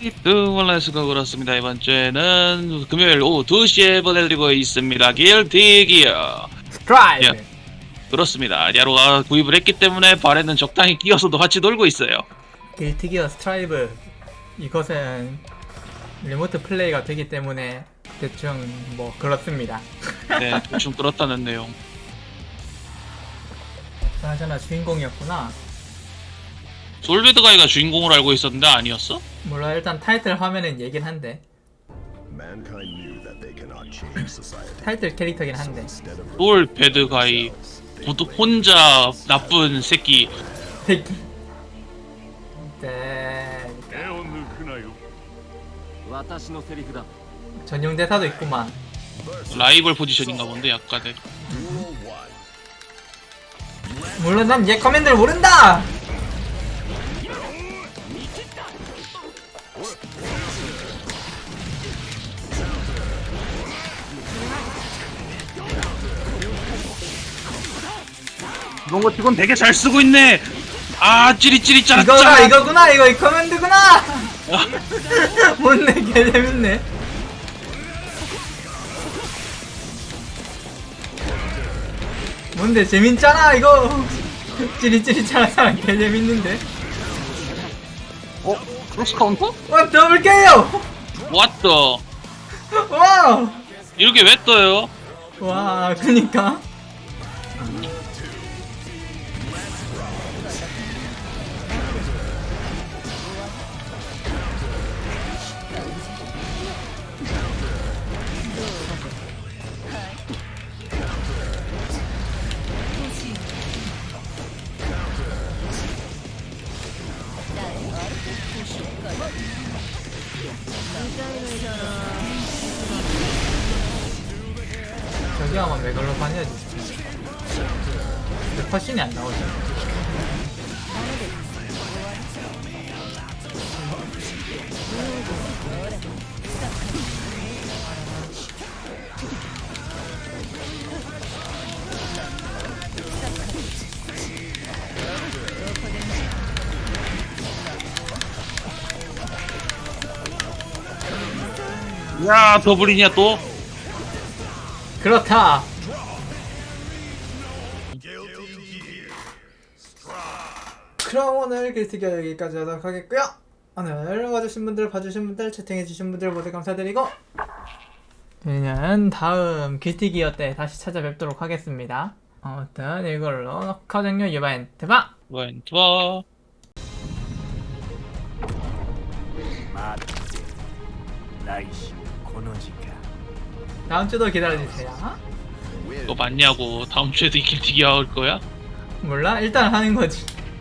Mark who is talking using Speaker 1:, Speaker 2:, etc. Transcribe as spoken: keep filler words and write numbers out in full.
Speaker 1: 뚜월레스가 그렇습니다. 이번 주에는 금요일 오후 두 시에 보내드리고 있습니다. 길티 기어.
Speaker 2: 스트라이브.
Speaker 1: 예. 그렇습니다. 야로가 구입을 했기 때문에 발에는 적당히 끼어서도 같이 놀고 있어요.
Speaker 2: 길티기어 스트라이브. 이것은 리모트 플레이가 되기 때문에 대충 뭐 그렇습니다.
Speaker 1: 네, 대충 그렇다는 내용.
Speaker 2: 그나저나 주인공이었구나.
Speaker 1: 솔베드가이가 주인공을 알고 있었는데 아니었어?
Speaker 2: 몰라, 일단 타이틀 화면은 얘긴 한데
Speaker 3: Mankind knew that they cannot change society.
Speaker 2: 타이틀 캐릭터긴 한데
Speaker 3: Instead of
Speaker 1: 솔베드가이 모두 혼자 나쁜 새끼.
Speaker 2: 새끼. 네.
Speaker 4: 手を抜くなよ私のセリフだ
Speaker 2: 전용 대사도 있구만.
Speaker 1: 라이벌 포지션인가 본데 약간의.
Speaker 2: 물론 난 얘 커맨드를 모른다.
Speaker 1: 이런 거 지금 되게 잘 쓰고 있네. 아 찌릿찌릿 짜라
Speaker 2: 이거가
Speaker 1: 짜라.
Speaker 2: 이거구나. 이거 이 커맨드구나. 뭔데 개 재밌네. 뭔데 재밌잖아 이거. 찌릿찌릿 하는 개 재밌는데.
Speaker 1: 어? 크로스 카운터?
Speaker 2: 와 더블 케이오.
Speaker 1: 왔더.
Speaker 2: 와.
Speaker 1: 이렇게 왜 떠요?
Speaker 2: 와 그니까. 저기 아마 메갈로파니아지. 근데 컷신이 안 나오지.
Speaker 1: 야 더블이냐 또?
Speaker 2: 그렇다. 그럼 오늘 길티기어 여기까지 하도록 하겠고요. 오늘 와주신 분들, 봐주신 분들, 채팅해주신 분들 모두 감사드리고 저희는 다음 길티기어 때 다시 찾아뵙도록 하겠습니다. 아무튼 이걸로 커정료 유바인트 바!
Speaker 1: 왼투어.
Speaker 4: 待って来週この時間
Speaker 2: 다음 주도 기다려주세요.
Speaker 1: 너 맞냐고. 다음 주에도 이 길티기 할 거야?
Speaker 2: 몰라? 일단 하는 거지.